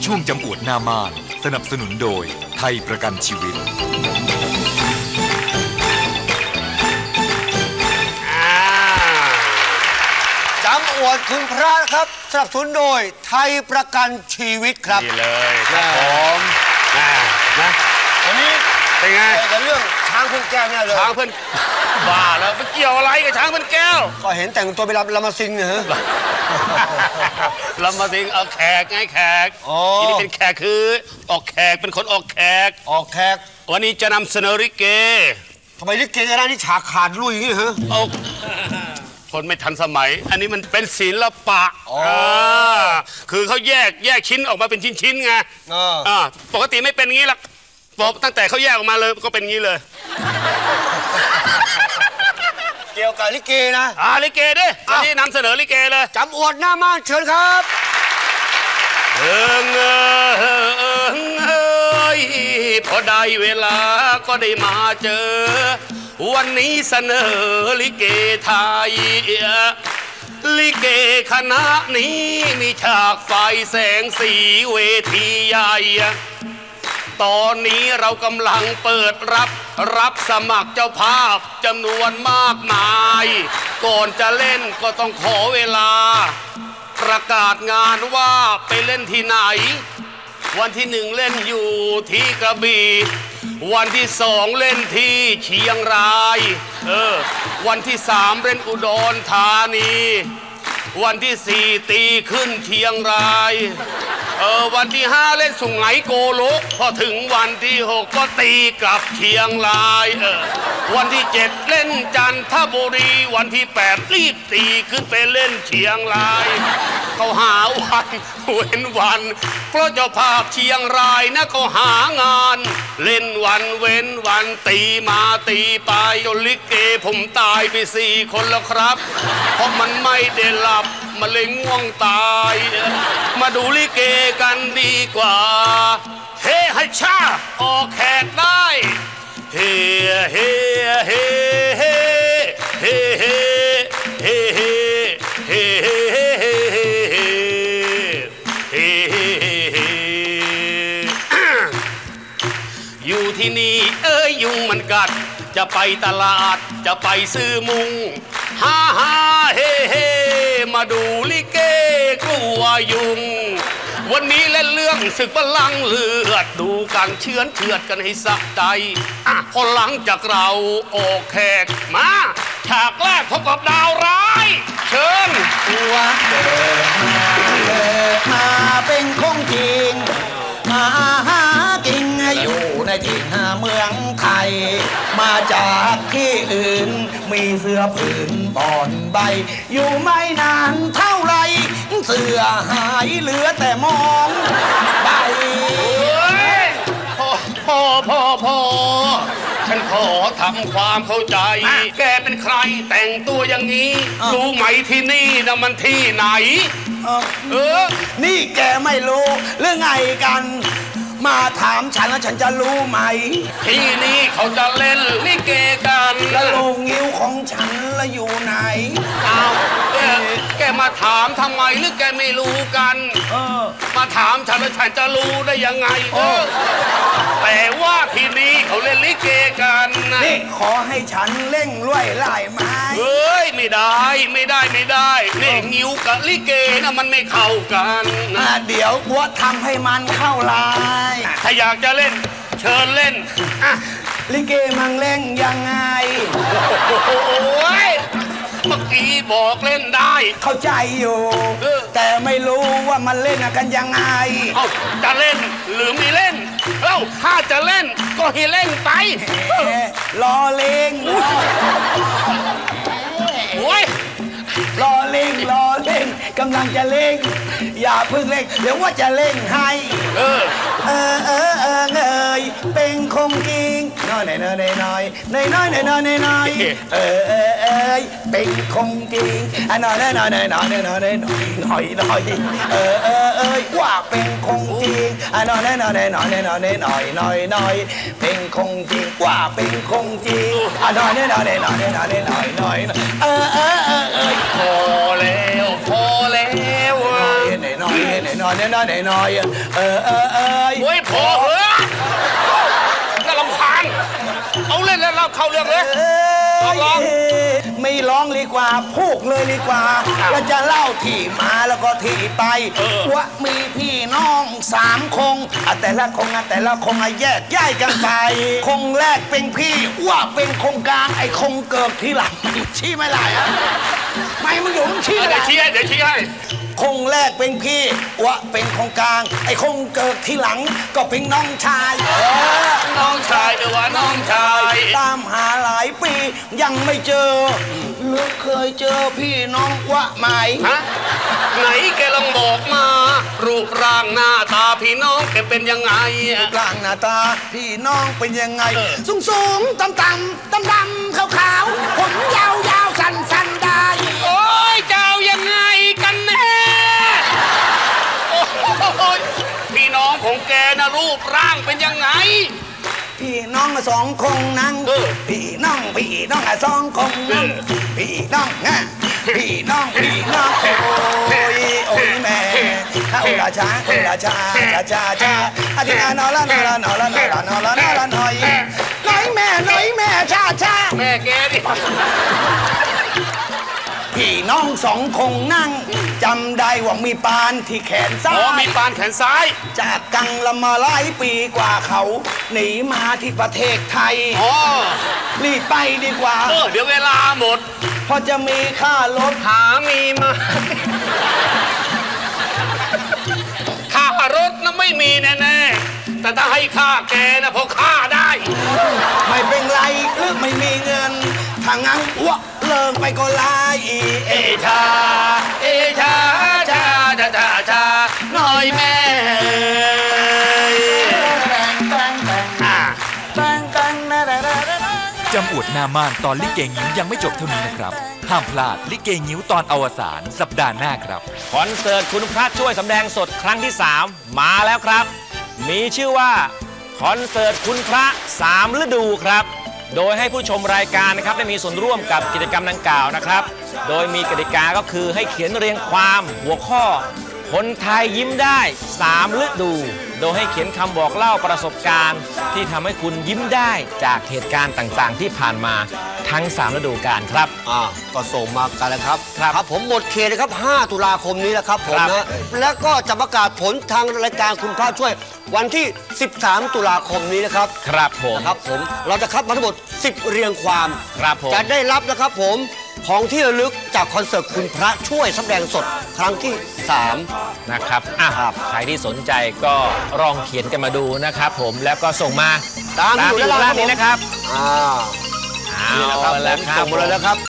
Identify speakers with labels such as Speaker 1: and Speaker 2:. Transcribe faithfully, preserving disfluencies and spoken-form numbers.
Speaker 1: ช่วงจำอวดหน้าม่านสนับสนุนโดยไทยประกันชีวิต
Speaker 2: จำอวดคุณพระครับสนับสนุนโดยไทยประกันชีวิตครับ
Speaker 3: นี่เลยครับผมนะนะวันนี้เป็นไง
Speaker 2: แต่เรื่องช้างเพื่อนแก้วเนี่ยเลย
Speaker 3: ช้างเพื่อนบ้าแล้วมันเกี่ยวอะไรกับช้างเพื่อนแก้ว
Speaker 2: ก็เห็นแต่งตัวไปรับลำมาซิงเนี่ยฮะ
Speaker 3: ลำมาซิงเอาแขกไงแขกที่นี่เป็นแขกคือออกแขกเป็นคนออกแขก
Speaker 2: ออกแขก
Speaker 3: วันนี้จะนำเสนอลิเก
Speaker 2: ทำไมลิเกกันได้ที่ฉากขาดลุยอย่างนี้เหรอ
Speaker 3: เอาคนไม่ทันสมัยอันนี้มันเป็นศิลปะคือเขาแยกแยกชิ้นออกมาเป็นชิ้นๆไงปกติไม่เป็นงี้หรอกตั้งแต่เขาแยกออกมาเลยก็เป็นงี้เลย
Speaker 2: เกี่ยวกับลิเกนะ
Speaker 3: อ่าลิเกดิวันนี้นำเสนอลิเกเลย
Speaker 2: จำอวดหน้าม่านเชิญครับ
Speaker 3: เอิงเอิงเอิงเอ้ยพอได้เวลาก็ได้มาเจอวันนี้เสนอลิเกไทยลิเกคณะนี้มีฉากไฟแสงสีเวทีใหญ่ตอนนี้เรากำลังเปิดรับรับสมัครเจ้าภาพจำนวนมากมายก่อนจะเล่นก็ต้องขอเวลาประกาศงานว่าไปเล่นที่ไหนวันที่หนึ่งเล่นอยู่ที่กระบี่วันที่สองเล่นที่เชียงรายเออวันที่สามเล่นอุดรธานีวันที่สี่ตีขึ้นเชียงรายเออวันที่ห้าเล่นสุไหงโกลกพอถึงวันที่หกก็ตีกลับเชียงรายเออวันที่เจ็ดเล่นจันทบุรีวันที่แปดรีบตีขึ้นไปเล่นเชียงรายเขาหาวันเว้นวันเพราะเจ้าภาพเชียงรายนะเขาหางานเล่นวันเว้นวันตีมาตีไปจนลิเกผมตายไปสี่คนแล้วครับเพราะมันไม่ได้หลับมาเลยง่วงตายมาดูลิเกกันดีกว่าเฮ้ให้ชาออกแขกได้เฮ้เฮ้เฮ้เฮ้เฮ้เฮ้เฮ้เฮ้เฮ้เฮ้เฮ้เฮ้อยู่ที่นี่เอ้ยยุงมันกัดจะไปตลาดจะไปซื้อมุงฮ่าฮ่าเฮ่เฮ่มาดูลิเกกลัวยุงวันนี้เล่นเรื่องศึกบัลลังก์เลือดดูกันเชื้อนเชือดกันให้สะใจอ่ะพอหลังจากเราออกแขกมาฉากแรกพบกับดาวร้ายเชิญ
Speaker 4: ตัวเกิดมาเกิดมาเป็นคงจริงมาหากินอยู่ในถิ่นเมืองไทยมาจากที่อื่นมีเสื้อผืนบอนใบอยู่ไม่นานเท่าไรเสื้อหายเหลือแต่มองใบ
Speaker 3: พ่อพ่อพ่อพ่อฉันขอทำความเข้าใจแกเป็นใครแต่งตัวอย่างนี้รู้ไหมที่นี่นะมันที่ไหน
Speaker 4: เออนี่แกไม่รู้เรื่องไงกันมาถามฉันแล้วฉันจะรู้ไหม
Speaker 3: ที่นี่เขาจะเล่นลิเกกัน
Speaker 4: แล้วโรงงิ้วของฉันละอยู่ไหน
Speaker 3: อ้าวแกแกมาถามทำไมหรือแกไม่รู้กันเออมาถามฉันแล้วฉันจะรู้ได้ยังไงเออแต่ว่าที่นี่เขาเล่นลิเกกันนะ
Speaker 4: นี่ขอให้ฉันเล่งล้วยไล่ไม้
Speaker 3: เฮ้ยไม่ได้ไม่ได้ไม่ได้นี่งิ้วกับลิเกนะมันไม่เข้ากัน
Speaker 4: นะเดี๋ยวกูทำให้มันเข้าลาย
Speaker 3: ถ้าอยากจะเล่นเชิญเล่นอ่ะ
Speaker 4: ลิเกมังเล่นยังไง
Speaker 3: โอ้ยเมื่อกี้บอกเล่นได้
Speaker 4: เข้าใจอยู่แต่ไม่รู้ว่ามันเล่นกันยังไง
Speaker 3: เอ้าจะเล่นหรือไม่เล่นเอ้าถ้าจะเล่นก็ให้เล่นไป
Speaker 4: รอเล่ง
Speaker 3: โอ้ย
Speaker 4: รอเล่งรอเล่งกำลังจะเล่งอย่าเพิ่งเล่งเดี๋ยวว่าจะเล่งให้เออเออเออเออเอยเป็นคงจริงน้อยน้อยน้อยน้อยน้อยน้อยน้อยน้อยน้อยน้อยเออเออเอยเป็นคงจริงน้อยน้อยน้อยน้อยน้อยน้อยน้อยน้อยน้อยน้อยเออเออเอยว่าเป็นคงจริงน้อยน้อยน้อยน้อยน้อยน้อยน้อยน้อยน้อยเป็นคงจริงว่าเป็นคงจริงน้อยน้อยน้อยน้อยน้อยน้อยน้อยน้อยเออเออเออเอย
Speaker 3: พอแล้วพอแล้ว
Speaker 4: หน่อยหน่อยหน่อยหน่อยหน่อยเออเออเออ
Speaker 3: โอ้ยพอเหอะน่ารำคาญเอาเล่นแล้วเราเข้าเรื่องเลย ร้อง
Speaker 4: ไม่ร้องดีกว่าพูกเลยดีกว่าแล้วจะเล่าที่มาแล้วก็ที่ไปว่ามีพี่น้องสามคงอ่ะแต่ละคงอ่ะแต่ละคงอ่ะแยกย้ายกันไปคงแรกเป็นพี่ว่าเป็นคงกลางไอ้คงเกิดทีหลังชี้ไม่ได้อะไม่มึงอยู่มึงชี้
Speaker 3: เดี๋
Speaker 4: ไม่
Speaker 3: ยว
Speaker 4: ได้
Speaker 3: ชี้ให้เดี๋ยวชี้ให้
Speaker 4: คงแรกเป็นพี่วะเป็นคงกลาง ไอ้คงเกิดทีหลังก็เป็นน้องชายเออ
Speaker 3: น้องชายเออว่าน้องชาย
Speaker 4: ตามหาหลายปียังไม่เจอหรือเคยเจอพี่น้องวะไหม
Speaker 3: ฮะไหนแกลองบอกมา รูปร่างหน้าตาพี่น้องแกเป็นยังไงอะ
Speaker 4: กลางหน้าตาพี่น้องเป็นยังไง
Speaker 3: เออ
Speaker 4: สูงสูงต่ำต่ำดำดำขาวขาวผมยาวยาวสั้นสั้นได้
Speaker 3: โอ้ยเจ้ายังไงกันแน่โอ้ยพี่น้องของแกนะรูปร่างเป็นยังไง
Speaker 4: พี่น้องสองคงนั่ง
Speaker 3: เออ
Speaker 4: พี่น้องพี่น้องสองคงนั่ง
Speaker 3: เออ
Speaker 4: พี่น้องไงพี่น้องพี่น้องโอ้ยโอ้ยแม่ข้าอุราชาอุราชาชาชาชาอาทิตย์นอละนอละนอละนอละนอละนอละหน่อยหน่อยแม่หน่อยแม่ชาชา
Speaker 3: แม่แกดิ
Speaker 4: พี่น้องสองคงนั่งจำได้ว่ามีปานที่แขนซ้า
Speaker 3: อ๋อย มีปานแขนซ้าย
Speaker 4: จากกังละมาหลายปีกว่าเขาหนีมาที่ประเทศไทย
Speaker 3: อ๋อ
Speaker 4: รีบไปดีกว่า
Speaker 3: เออเดี๋ยวเวลาหมด
Speaker 4: พอจะมีค่ารถ
Speaker 3: หามีมาค่ารถนะไม่มีแน่ๆแต่ถ้าให้ค่าแกนะพอค่าได้
Speaker 4: ไม่เป็นไรหรือไม่มีเงินถ้างั้นอ้วกเลิกไปก็ไล่เอ
Speaker 3: เอชา เอชาชาชาชาชาหน่อยแม่อ่า
Speaker 1: จำอวดหน้าม่านตอนลิเกงิ้วยังไม่จบเท่านี้นะครับ ห้ามพลาดลิเกงิ้วตอนอวสานสัปดาห์หน้าครับ
Speaker 5: คอนเสิร์ตคุณพระช่วยสำแดงสดครั้งที่ สาม มาแล้วครับ มีชื่อว่าคอนเสิร์ตคุณพระสามฤดูครับ โดยให้ผู้ชมรายการนะครับได้มีส่วนร่วมกับกิจกรรมดังกล่าวนะครับ โดยมีกติกาก็คือให้เขียนเรียงความหัวข้อ คนไทยยิ้มได้สามฤดู โดยให้เขียนคำบอกเล่าประสบการณ์ ที่ทำให้คุณยิ้มได้จากเหตุการณ์ต่างๆ ที่ผ่านมาทั้งสามฤดูกาลครับ
Speaker 2: อ่าก็ส่งมากันแล้วครับ
Speaker 5: ครับ
Speaker 2: ครับผมหมดเขตนะครับ ห้า ตุลาคมนี้นะครับผม
Speaker 5: ครับ
Speaker 2: นะแล้วก็จะประกาศผลทางรายการคุณพระช่วยวันที่ สิบสาม ตุลาคมนี้นะครับ
Speaker 5: ครับผม
Speaker 2: นะครับผมเราจะคัดมาทั้งหมด สิบ เรียงความ
Speaker 5: ครับผม
Speaker 2: จะได้รับนะครับผมของที่ระลึกจากคอนเสิร์ตคุณพระช่วยแสดงสดครั้งที่ สาม
Speaker 5: นะครับอ่ะ
Speaker 2: ครับ
Speaker 5: ใครที่สนใจก็ลองเขียนกันมาดูนะครับผม แล้วก็ส่งมา
Speaker 2: ตามอยู่
Speaker 5: อยู่
Speaker 2: ด้านล่าง
Speaker 5: ด้านนี้นะครับ
Speaker 2: อ่า
Speaker 5: เอา
Speaker 2: นี่นะครับ
Speaker 5: ละ
Speaker 2: ผม
Speaker 5: ครับ
Speaker 2: ส่งมาเลยนะครับ